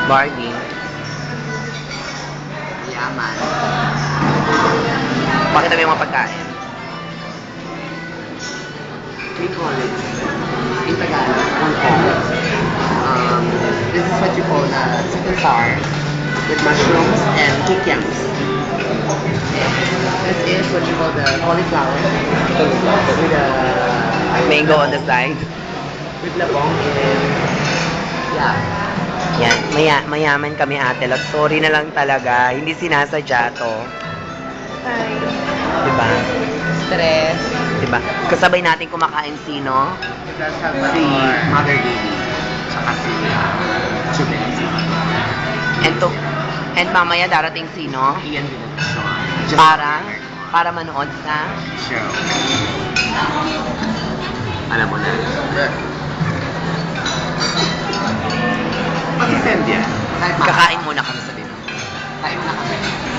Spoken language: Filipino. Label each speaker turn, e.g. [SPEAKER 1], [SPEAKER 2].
[SPEAKER 1] Barbie.
[SPEAKER 2] Yaman.
[SPEAKER 1] Pakita mo yung mga pagkain.
[SPEAKER 2] We call it, in Tagalog, Hong. This is what you call chicken sour with mushrooms and kikiams. This is what you call the cauliflower with
[SPEAKER 1] Mango on the side.
[SPEAKER 2] with labong and yeah.
[SPEAKER 1] Yan, mayaman kami ate Lot. Sorry na lang talaga. Hindi sinasadya to.
[SPEAKER 3] Ay.
[SPEAKER 1] Diba?
[SPEAKER 2] Stress.
[SPEAKER 1] Diba? Kasabay natin kumakain sino?
[SPEAKER 2] Si Mother Lily. Tsaka si Chubin.
[SPEAKER 1] And mamaya darating sino?
[SPEAKER 2] Ian Villalobos.
[SPEAKER 1] Para manood sa
[SPEAKER 2] Show. Alam mo na. Masisend yan. Kahit
[SPEAKER 1] kakain muna kami sa dinner.
[SPEAKER 2] Kain na kami.